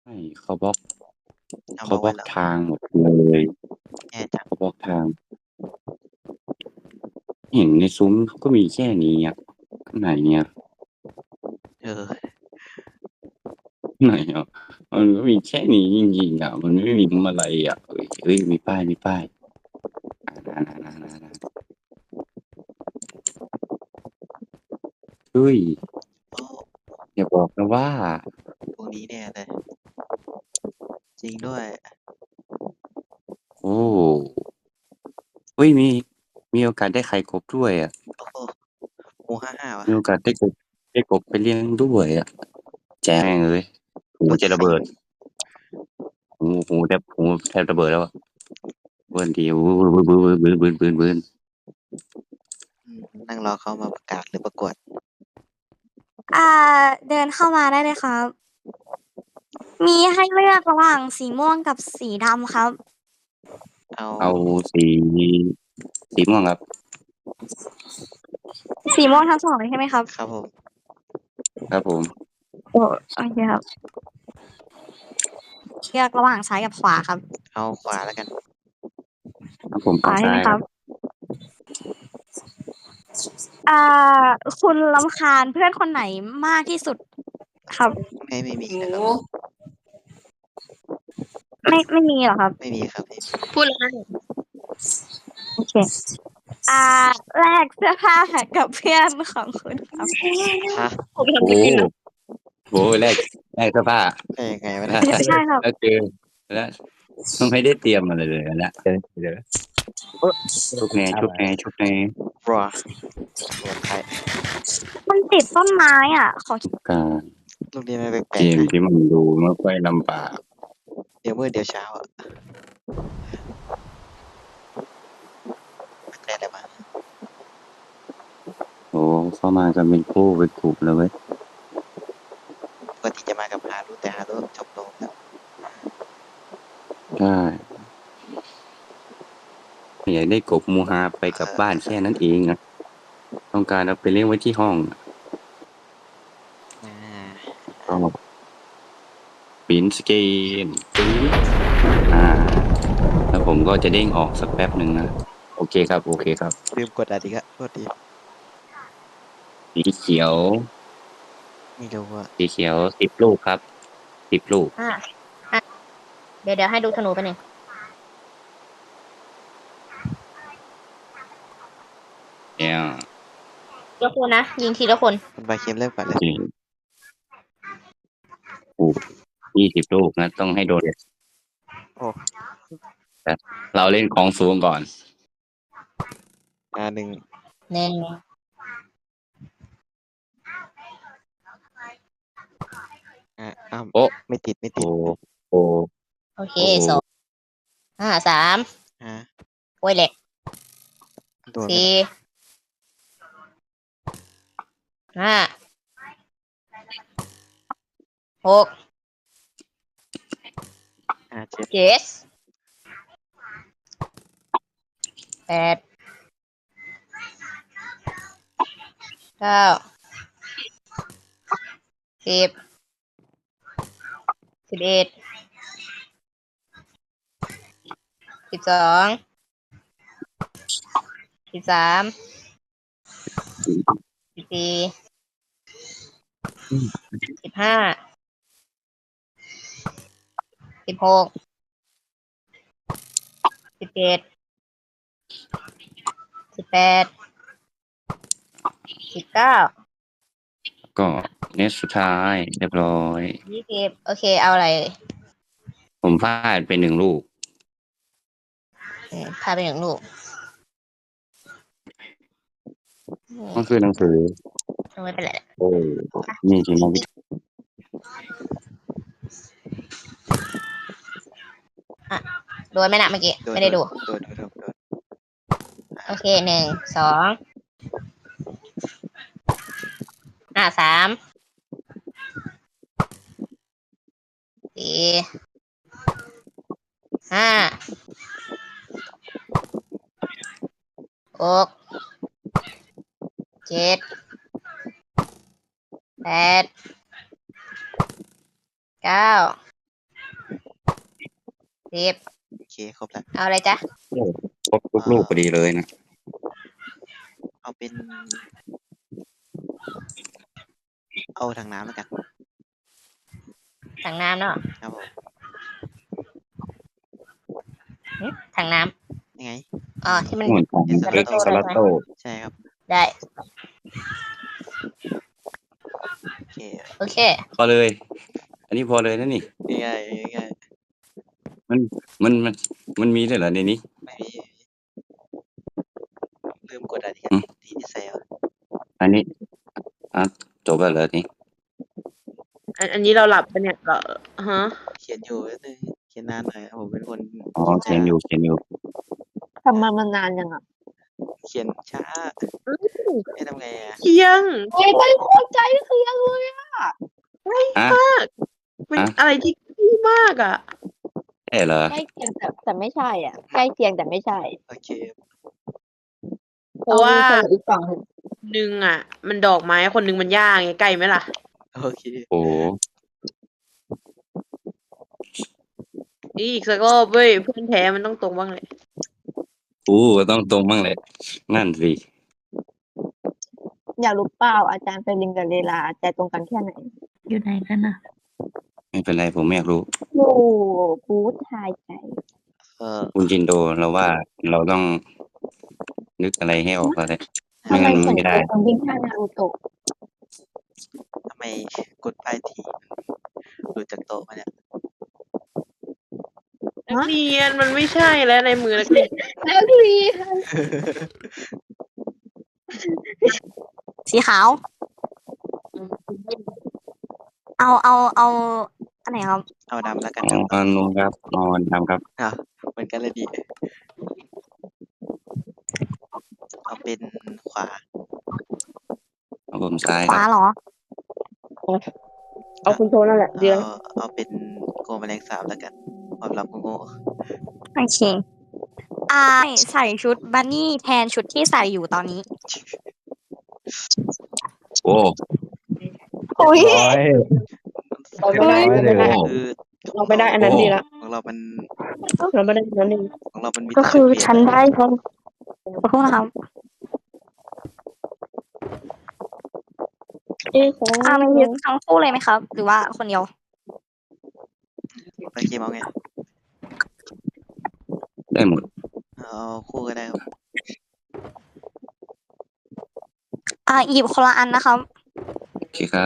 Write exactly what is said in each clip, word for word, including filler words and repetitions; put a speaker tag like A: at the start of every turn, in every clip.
A: ไม่เขาบล็อก
B: เอา
A: เขาบล็อก
B: มาไว้เหรอ
A: ทางหมดเลย
B: แย่จัง
A: เขาบล็อกทาง เห็นในซุ้มเขาก็มีแค่นี้อ่ะข้างในเนี่ย
B: เออ
A: ข้างในอ่ะมันก็มีแค่นี้จริงๆอ่ะมันไม่มีอะไรอ่ะเฮ้ยเฮ้ยมีป้ายมีป้ายอ่านานานานานาเฮ้ย
B: โอ้
A: อย่าบอกนะว่า
B: พวกนี้แน่เลยจริงด้วย
A: โอ้เฮ้ยมีมีโอกาสได้ไข่กบด้วยอ่ะ
B: โอ้โหหมูห้าห้าวะ
A: มีโอกาสได้กบได้กบไปเลี้ยงด้วยอ่ะแจ้งเลยหู
B: ตัว
A: จะระเบิด
B: ที่ไข่มุก
A: หูหูแทบหูแทบระเบิดแล้วอ่ะเบิ้ลทีอู้บื้นบื้นบื้นบื้นบื้นบื้น
B: อืมนั่งรอเขามาประกาศหรือประกวด
C: อ่าเดินเข้ามาได้เลยครับ มีให้เลือกระหว่างสีม่วงกับสีดำครับ
B: เอา
A: เอาสีสีม่วงครับ
C: สีม่วงทั้งสองเลยใช่ไหมครับ
B: ครับผม
A: ครับผม
C: โอ้โอเคครับเลือกระหว่างซ้ายกับขวาครับ
B: เอาขวาแล้วกัน
A: ครับผม
C: ขวา
A: เอา
C: ใช่ไหม
A: ซ้าย
C: ค
A: ค
C: รั
A: รับ บ
C: อ่า คุณรำคาญเพื่อนคนไหนมากที่สุดครับ
B: ไม่ไม่มีนะครับ
C: ไม่ไม่มีเหรอครับ
B: ไม่มีครับไม่มี
C: พูดเลยโอเค อ่าแลกเสื้อผ้ากับเพื่อนของคุณครับ
B: ฮะ
C: ผม
A: โอ้
C: ทำจริงๆนะ
A: โหแรกแรกเสื้อผ้า
B: ได้ยังไงวะ
A: แล้
B: เนี่ยว
C: ใช่ครับ
A: แล้วเจอแล้วไม่ได้เตรียมอะไรเลยนะเจอเจอชุบแน่ชุบแน่ชุบแน่
B: รัวรวมใคร
C: มันติดต้นไม้อ่ะ ขอ
A: การ
B: ลูกนี้ไม่แปล
A: เก
B: กๆ
A: ม
B: นะ
A: ที่มันดูไม่ค่อยลำบาก
B: เดี๋ยวมืดเดี๋ยวเช้าอ่ะแต่อะไรมา
A: โอ้เข้ามากันเป็นคู่เป็นกลุ่มเลยเว้ย
B: ปกติจะมากับฮารุแต่ฮารุจบลงแล้ว
A: ใช่อยากได้กบมูฮาไปกลับบ้านแค่นั้นเองนะต้องการเอาไปเลี้ยงไว้ที่ห้อง
B: อ่า
A: ก็ปินสเกนปึ๊บอ่า แล้วผมก็จะเด้งออกสักแป๊บหนึ่งนะ โอเคครับ โอเคครับ
B: ลืมกดอะไรก็โทษที
A: สีเขียว
B: ไม่รู้ว่า
A: สีเขียวสิบลูกครับสิบลูก
D: อ่าอ่ะเดี๋ยวเดี๋ยวให้ดูธนูไปหนึ่ง
A: เนี่ย
D: ยกคนนะ ยิงทีละคน
B: คุณบาเค็มเริ่มก่อนเลย
A: จริงโอ้ยี่สิบลูกนะ ต้องให้โดน
B: โอ้
A: แต่เราเล่นของสูงก่อน
B: อ่าหนึ่ง
D: หนึ่ง
B: อ่าอ้าว
A: โอ้
B: ไม่ติดไม่ติด
A: โอ้โอ้
D: โอเค
A: โอ้
D: สองอ่าสาม
B: ฮะ
D: โอ้ยเหล็ก
B: โดนไหม
D: สี่ห้าหก
B: อ่าเจ็ด
D: เจ็ดแปดเก้าสิบสิบเอ็ดสิบสองสิบสามสิบสี่สิบห้าสิบหกสิบเจ็ดสิบแปดสิบเก้า
A: ก็เน็ตสุดท้ายเรียบร้อย
D: ยี่สิบโอเค เอาอะไรเอ่ย
A: ผมพลาดไปหนึ่งลูก
D: อืมพาไปหนึ่งลูกอืม
A: ก็คือหนังสือ
D: ไม่เป็นไร
A: โอ้นี่จริงนะวิธี
D: โดนไหมนะเมื่อกี้
B: โดน
D: ไม่ได้ดู
B: โดนโดนโดนโดน
D: โอเคหนึ่งสองอ่าสามสี่ห้าหกเจ็ดแปดเก้าสิบ
B: โอเคครบแล้ว
D: เอาอะไรจ๊ะ
A: โอ้ครบทุกลูกพอดีเลยนะ
B: เอาเป็น เอาถังน้ำแล้วกัน
D: ถังน้ำเนาะ
B: ครับผม
D: หึถังน้
B: ยังไง
D: ำอ๋อที่มัน
A: เหมือนของ
D: ส
A: เล็ก
D: ลัตโต้
A: สลัตโต้
B: ใช่ครับ
D: ได้
B: โอเค
D: โอเค
A: พอเลย อันนี้พอเลยนะนี่
B: ง่ายๆง่าย
A: มันมันมันมันมีด้วยเหรอในนี้
B: ๆไม่มีลืมกดอะไรกัน
A: อืม
B: ที่ที่ใส่เอา
A: อันนี้อ่ะจบแล้วเหรอนี่
E: อันอันนี้เราหลับปะเนี่ยเราฮะ
B: เขียนอยู่นิดนึงเขียนนานหน่อยผมเป็นคน
A: อ๋อเขียนอยู่เขียนอยู่
F: ทำมามันนานยังอ่ะ
B: เขียนช้าไม่ทำไงอ่ะ
E: เที่ยง
F: โอ้ยไม่โคตรใจคือยังเลยอ่ะ
A: อ่ะ
E: มัน
A: ฮะ
E: อะไรที่ขี้มากอ่ะ
A: ใช่เหรอ
F: ใกล้เคียงแต่แต่ไม่ใช่อ่ะ ใกล้เคียงแต่ไม่ใช่
B: โอเค
E: เพราะว่า
F: ออีกฝั่งหนึ่ง
E: หนึ่งอ่ะ มันดอกไม้คนหนึ่งมันย่างไงใกล้ไหมล่ะ
B: โอเค
A: โอ้โห
E: นี่อีกสักรอบเว้ยเพื่อนแท้มันต้องตรงบ้างเลย
A: อู้ต้องตรงบ้างเลยนั่นสิ
F: อยากรู้เปล่าอาจารย์เฟรลินกับเลลาใจตรงกันแค่ไหน
G: อยู่ไหนกันนะ
A: ไม่เป็นไรผมไม่อยากรู้
F: โอ้กูทายใจ
B: เออ
A: คุณจินโดเราว่าเราต้องนึกอะไรให้ออกก็ได้ไม่
F: ทำไม
A: งั้น
F: เหมือน
A: ไม่ได้
F: คนวิ่งข้างนารูโตะ
B: ทำไมกดไปทีหลุดจากโต๊ะมาเนี่ย
E: นักเรียนมันไม่ใช่แล้วในมือนักเรียน
F: แล้วดี
C: สีขาว เอาเอาเอาอันไหนครับ
B: เอาดำแล้วกัน
A: อ๋
B: ครับ
A: อนุ่งครับนอนทำครับ
B: อ่ะเหมือนกันเลยดีเอาเป็นขวา
A: เอาผมซ้าย
C: ข
A: ครั
C: วา
A: บ
C: เหรอ
E: เอาคุณโทนั่นแหละเดียว
B: เอาเอาเป็นโกแมลงสาบแล้วกันความลับโง่
C: โอเคอ่าใส่ชุดบันนี่แทนชุดที่ใส่อยู่ตอนนี้
A: โอ้
C: อุ้ย
E: เราไม่ได้
B: ๆ
E: เราไม่ได้
B: คือ
E: เราไม่ได้อันนั้นดีละ
B: ของเรามัน
E: เราไม่ได้อันนั้นดี
B: ของเรามันมี
C: ก็คือ
B: แต่จุดเปลี่ย
C: ฉันได้ทั้งขอโทษนะครับ
E: เอ๊ะ
C: อ่ามันยึดทั้งคู่เลยไหมครับ หรือว่าคนเดียว
B: โอเคเอาไง
A: ได้หมด
B: เอาคู่ก็ได้ครับ
C: อ่าหยิบคนละอันนะครับ
A: โอเคครับ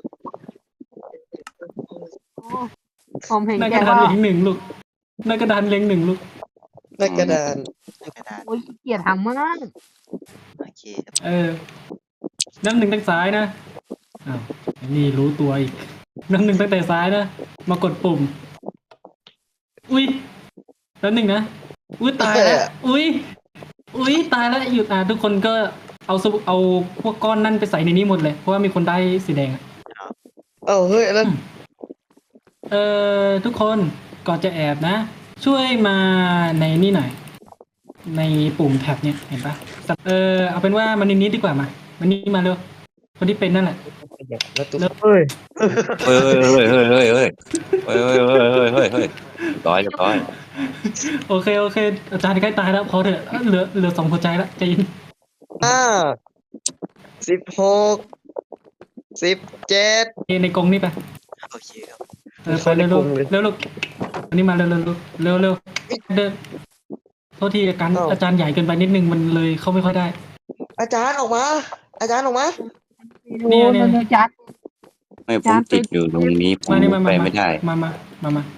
F: ผมเห็น
H: หน้า
F: แก
H: กระดาน
F: ว่า
H: เล็งหนึ่งลูกหน้ากระดานเล็งหนึ่งลูก
B: หน้ากระดานหน้ากระดาน
F: โอ้ยเกลียดทำมาก
B: โอเคครับ
H: เออน้ำหนึ่งตั้งซ้ายนะอ้าวไอ้นี่รู้ตัวอีกน้ำหนึ่งตั้งแต่ซ้ายนะมากดปุ่ม อุ้ยน้ำหนึ่งนะอุ้ยตายแล้วอุ้ยอุ้ยตายแล้วหยุดอ่ะทุกคนก็เอาสบุเอาพวกก้อนนั่นไปใส่ในนี้หมดเลยเพราะว่ามีคนได้สีแดงอะ
I: เอ้าเฮ้ยแล้ว
H: เออทุกคนก่อนจะแอบนะ ช่วยมาในนี่หน่อย ในปุ่มแท็บเนี่ยเห็นปะเออเอาเป็นว่ามันนิดๆดีกว่ามามันนี่มาเร็วคนที่เป็นนั่นแหละ
I: แล้วตุ๊กเฮ้ย
A: เฮ้ยเฮ้ยเฮ้ยเฮ้ยเฮ้ยเฮ้ยเฮ้ยเฮ้ยเฮ้ยเฮ้ยเฮ้ยเฮ้ยร้อยเรียบร้อย
H: โอเคโอเคอาจารย์ใกล้ตายแล้วพอเถอะเอ้ยเหลือเหลือสองหัวใจแล้วใจเย็น
I: ห้าสิบหกสิบเจ็ด
H: ในกรงนี่ไป
B: โอเคครับ
H: เออไปเร็วเร็วเร็วเร็วอันนี้มาเร็วเร็วเร็วเร็วเดินโทษทีอาจารย์อาจารย์ใหญ่เกินไปนิดนึงมันเลยเข้าไม่ค่อยได้
I: อาจารย์ออกมา อาจารย์ออกมา
H: เนี่ยเนี่ย
F: มันจัด
A: ไม่ผมติดอยู่ตรงนี้ผม
H: มานี่มา
A: ไป
H: มา
A: ไม่ได้
H: มามามามา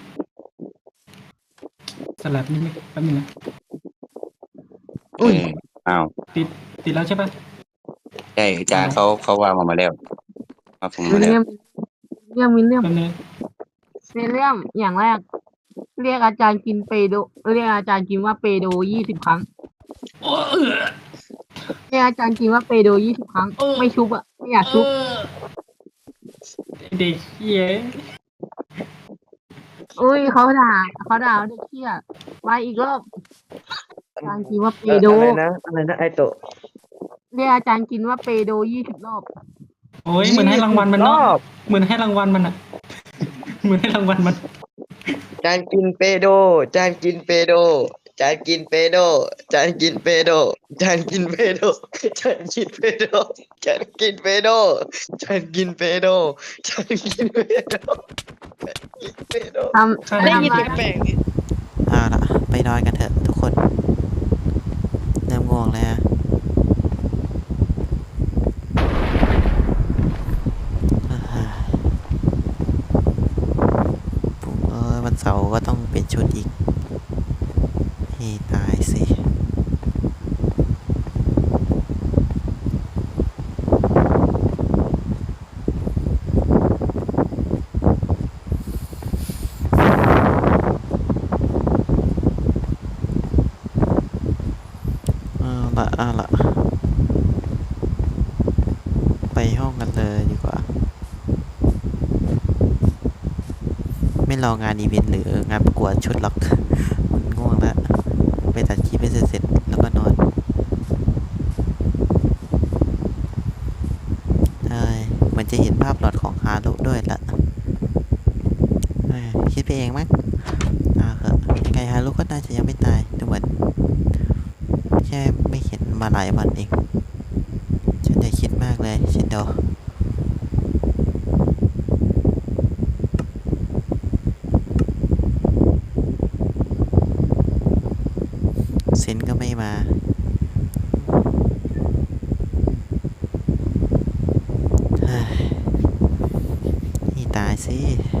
H: สลับนิดนึงแป๊บนึงนะ
A: เอออ้าว
H: ติดติดแล้วใช่ปะ
A: ใช่อาจารย์เขาเขาว่ามามาแล้วมาผม
F: วิ
A: มา
F: ล
A: แล้ว
F: เลียมเรื่องวิลเลียม
H: แป๊บนึง
F: วิลเลียมอย่างแรก เรียกอาจารย์กินเปโดเรียกอาจารย์กินว่าเปโดยี่สิบครั้ง
H: โอ้เออ
F: เรียกอาจารย์กินว่าเปโดยี่สิบครั้ง
H: เออ
F: ไม่ชุบอ่ะไม่อยากชุบ
H: เออเด็กเหี้ย
F: อุ้ยเขาด่าเขาด่าเด็กเขี้ยมาอีกรอบอาจารย์กินว่าเป
I: เออ
F: โด
I: อะไรนะอะไรนะไอโตะ
F: เรียกอาจารย์กินว่าเปโดยี่สิบรอบ
H: โอ้ยเหมือนให้รางวัลมันเนาะ
I: รอบ
H: เหมือนให้รางวัลมันอะเหมือนให้รางวัลมัน
I: จานกินเปโด จานกินเปโด จานกินเปโด จานกินเปโด จานกินเปโด จานกินเปโด จานกินเปโด จานกินเปโด จานกินเปโด จานกินเปโด
F: ทำ
E: ได้
F: ทำ
E: ยิน
F: อะไร
E: แปลกๆเนี่ย
B: เอาละไปนอนกันเถอะทุกคนเริ่มง่วงแล้วฮะอ่าผมเออวันเสาร์ก็ต้องเปลี่ยนชุดอีกให้ตายสิเอาละเอาละไปห้องกันเลยดีกว่า ไม่รองานอีเวนต์หรืองานประกวดชุดหรอก มันง่วงแล้ว ไปตัดคลิปให้เสร็จๆแล้วก็นอนใช่เหมือนจะเห็นภาพหลอดของฮารุด้วยละเอ้ยคิดไปเองมั้งอ่าเหอะยังไงฮารุก็น่าจะยังไม่ตายดูเหมือนแค่ไม่เห็นมาหลายวันเองฉันอย่าคิดมากเลยชินโดเซนก็ไม่มาเฮ้ยนี่ตายสิ